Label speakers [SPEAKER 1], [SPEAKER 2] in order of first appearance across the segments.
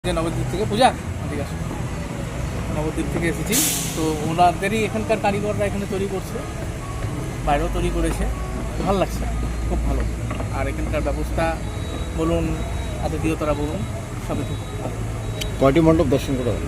[SPEAKER 1] নবদ্বীপ থেকে পূজা ঠিক আছে, নবদ্বীপ থেকে এসেছি। তো ওনাদেরই এখানকার কারিগররা এখানে তৈরি করছে, বাইরেও তৈরি করেছে, ভালো লাগছে, খুব ভালো। আর এখানকার ব্যবস্থা বলুন, আতিথেয়তারা বলুন, সবই খুব ভালো।
[SPEAKER 2] কয়টি মণ্ডপ দর্শন করা হলো?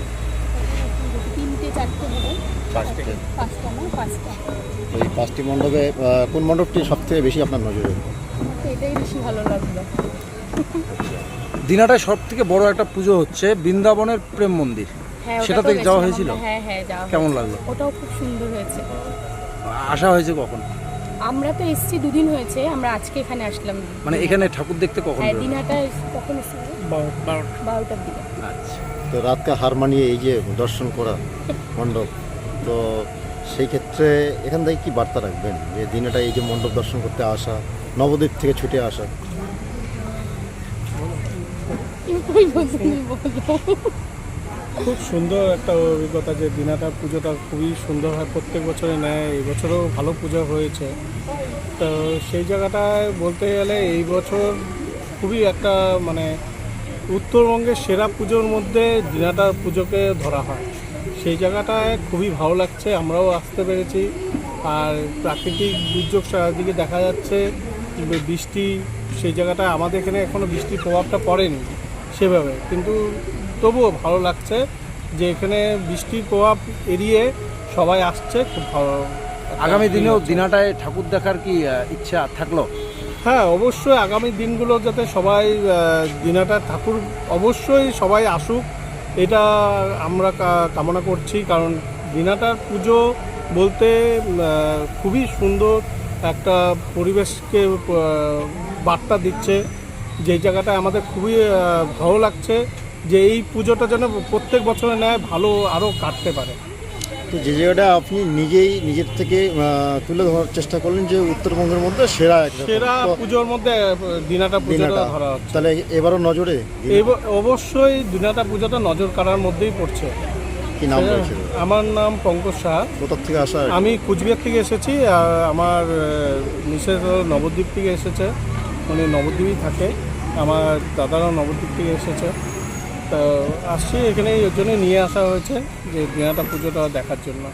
[SPEAKER 3] 3-4টে হবে,
[SPEAKER 1] পাঁচটা।
[SPEAKER 3] 5টা না 5টা।
[SPEAKER 2] এই 5টি মণ্ডপে কোন মণ্ডপটি সবথেকে বেশি আপনার নজরে?
[SPEAKER 3] আমার তো এটাই বেশি ভালো লাগলো।
[SPEAKER 4] দিনাটায় সব থেকে বড় একটা পুজো হচ্ছে বৃন্দাবনের প্রেম মন্দির,
[SPEAKER 3] হ্যাঁ,
[SPEAKER 4] সেটাতে
[SPEAKER 3] ওটাতেও
[SPEAKER 4] যাওয়া
[SPEAKER 3] গেছিলাম
[SPEAKER 4] হয়েছিল?
[SPEAKER 3] আমরা। হ্যাঁ যাওয়া
[SPEAKER 4] কেমন
[SPEAKER 3] হয়েছে।
[SPEAKER 4] লাগলো?
[SPEAKER 3] ওটাও খুব সুন্দর হয়েছে।
[SPEAKER 4] আসা হয়েছে কখন?
[SPEAKER 3] আমরা তো এসেছি 2 দিন হয়েছে, আমরা আজকে এখানে আসলাম।
[SPEAKER 4] মানে এখানে ঠাকুর দেখতে কখন
[SPEAKER 3] হ্যাঁ,
[SPEAKER 4] বেরোলেন?
[SPEAKER 3] দিনহাটা কখন এসেছি? 12টার দিকে।
[SPEAKER 4] আচ্ছা,
[SPEAKER 2] তো রাতকে হার মানিয়ে এই যে দর্শন করা মণ্ডপ, তো সেই ক্ষেত্রে এখান থেকে কি বার্তা রাখবেন যে দিনেটা এই যে মণ্ডপ দর্শন করতে আসা, নবদ্বীপ থেকে ছুটে আসা?
[SPEAKER 5] খুব সুন্দর একটা অভিজ্ঞতা যে দিনাটা পুজোটা খুবই সুন্দর হয়, প্রত্যেক বছরে নেয়, এই বছরও ভালো পুজো হয়েছে। তো সেই জায়গাটায় বলতে গেলে এই বছর খুবই একটা মানে উত্তরবঙ্গের সেরা পুজোর মধ্যে দিনাটার পুজোকে ধরা হয়। সেই জায়গাটায় খুবই ভালো লাগছে, আমরাও আসতে পেরেছি। আর প্রাকৃতিক দুর্যোগ চারিদিকে দেখা যাচ্ছে, বৃষ্টি, সেই জায়গাটায় আমাদের এখানে এখনও বৃষ্টির প্রভাবটা পড়েনি সেভাবে, কিন্তু তবুও ভালো লাগছে যে এখানে বৃষ্টির প্রভাব এড়িয়ে সবাই আসছে, খুব ভালো।
[SPEAKER 4] আগামী দিনেও দিনাটায় ঠাকুর দেখার কি ইচ্ছা থাকলো?
[SPEAKER 5] হ্যাঁ, অবশ্যই আগামী দিনগুলো যাতে সবাই দিনাটা ঠাকুর অবশ্যই সবাই আসুক, এটা আমরা কামনা করছি। কারণ দিনাটার পুজো বলতে খুবই সুন্দর একটা পরিবেশকে বার্তা দিচ্ছে, যেই জায়গাটায় আমাদের খুবই ভালো লাগছে যে এই পুজোটা যেন প্রত্যেক বছরে নেয় ভালো আরও কাটতে পারে।
[SPEAKER 2] তো যে জায়গাটা আপনি নিজের থেকে তুলে ধরার চেষ্টা করলেন যে উত্তরবঙ্গের মধ্যে সেরা একটা
[SPEAKER 5] সেরা পুজোর মধ্যে দিনাটা পুজোটা ধরা হচ্ছে,
[SPEAKER 2] তাহলে এবারও নজরে
[SPEAKER 5] অবশ্যই দিনাটা পুজোটা নজর কাড়ার মধ্যেই পড়ছে।
[SPEAKER 2] কি নাম রয়েছে?
[SPEAKER 5] আমার নাম পঙ্কজ সাহা।
[SPEAKER 2] কোথা থেকে আসা?
[SPEAKER 5] আমি কুচবিহার থেকে এসেছি, আর আমার মিসেস নবদ্বীপ থেকে এসেছে, উনি নবদ্বীপই থাকে। আমার দাদারাও নবদ্বীপ থেকে এসেছে। তো আসছি এখানে, ওই জন্য নিয়ে আসা হয়েছে যে দিনাটা পুজোটা দেখার জন্য।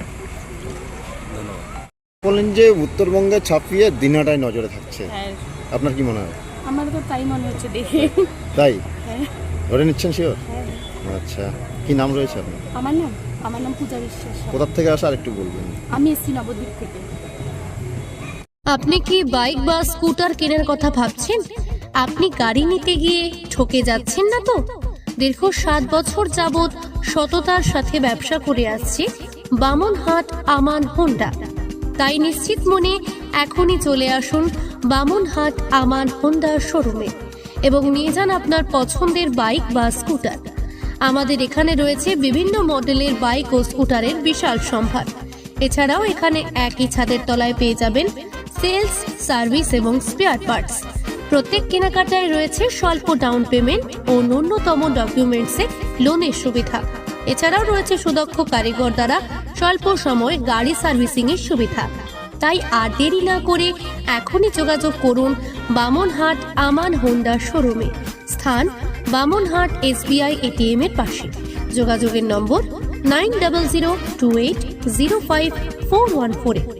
[SPEAKER 2] বললেন যে উত্তরবঙ্গে ছাপিয়ে দিনাটায় নজরে থাকছে,
[SPEAKER 3] হ্যাঁ,
[SPEAKER 2] আপনার কি মনে হয়?
[SPEAKER 3] আমার তো তাই মনে হচ্ছে দেখে।
[SPEAKER 2] তাই
[SPEAKER 3] হ্যাঁ,
[SPEAKER 2] ধরে নিচ্ছেন শিওর?
[SPEAKER 3] হ্যাঁ।
[SPEAKER 2] আচ্ছা, কি নাম রয়েছে আপনার?
[SPEAKER 3] আমার নাম পূজা বিশ্বাস।
[SPEAKER 2] কোথা থেকে আসা আর একটু বলবেন?
[SPEAKER 3] আমি এসেছি নবদ্বীপ থেকে।
[SPEAKER 6] আপনি কি বাইক বা স্কুটার কেনার কথা ভাবছেন? আপনি গাড়ি নিতে গিয়ে ঠকে যাচ্ছেন না তো? দীর্ঘ 7 বছর যাবৎ সততার সাথে ব্যবসা করে আসছে বামনহাট আমান হোন্ডা। তাই নিশ্চিত মনে এখনই চলে আসুন বামনহাট আমান হোন্ডা শোরুমে এবং নিয়ে যান আপনার পছন্দের বাইক বা স্কুটার। আমাদের এখানে রয়েছে বিভিন্ন মডেলের বাইক ও স্কুটারের বিশাল সম্ভার। এছাড়াও এখানে একই ছাদের তলায় পেয়ে যাবেন সেলস, সার্ভিস এবং স্পেয়ার পার্টস। প্রত্যেক কেনাকাটায় রয়েছে স্বল্প ডাউন পেমেন্ট ও ন্যূনতম ডকুমেন্টসে লোনের সুবিধা। এছাড়াও রয়েছে সুদক্ষ কারিগর দ্বারা স্বল্প সময়ে গাড়ি সার্ভিসিং এর সুবিধা। তাই আর দেরি না করে এখনই যোগাযোগ করুন বামনহাট আমান হোন্ডা শোরুমে। স্থান বামনহাট SBI ATM এর পাশে। যোগাযোগের নম্বর 9002805414।